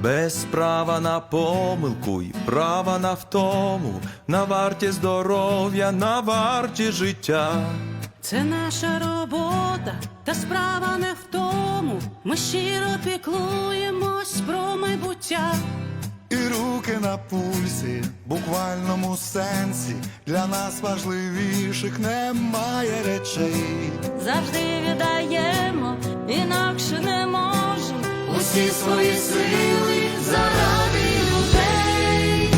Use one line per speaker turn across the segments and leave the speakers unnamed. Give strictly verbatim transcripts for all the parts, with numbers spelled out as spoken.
без права на помилку й права на втому, на варті здоров'я, на варті життя.
Це наша робота, та справа не в тому. Ми щиро піклуємось про майбуття.
І руки на пульсі, в буквальному сенсі, для нас важливіших немає речей.
Завжди віддаємо, інакше не можемо, усі свої сили заради людей,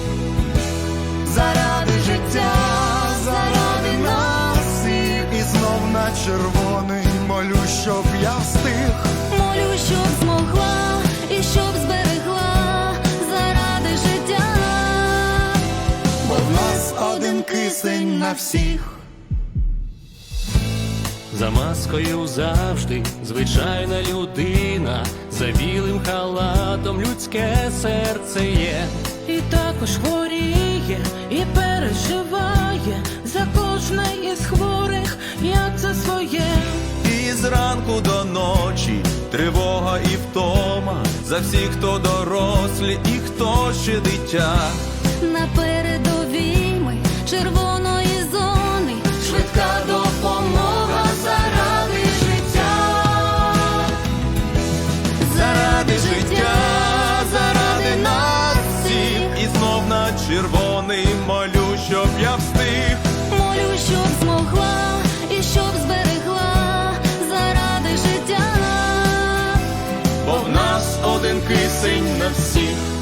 Заради життя, заради нас всіх. І знов на червоний молю, щоб я встиг.
молю, щоб змогла і щоб зберегла заради життя,
Бо в нас один кисень на всіх.
За маскою завжди звичайна людина, за білим халатом людське серце є.
і також хворіє, і переживає за кожне із хворих, як за своє.
І зранку до ночі тривога і втома, за всіх, хто дорослі і хто ще дитя.
На передовій ми червоної зони, швидка допомога заради життя,
Заради життя, заради нас всіх. І знов на червоний молю, щоб я встиг.
молю, щоб змогла і щоб зберегла заради життя,
Бо в нас один кисень на всіх.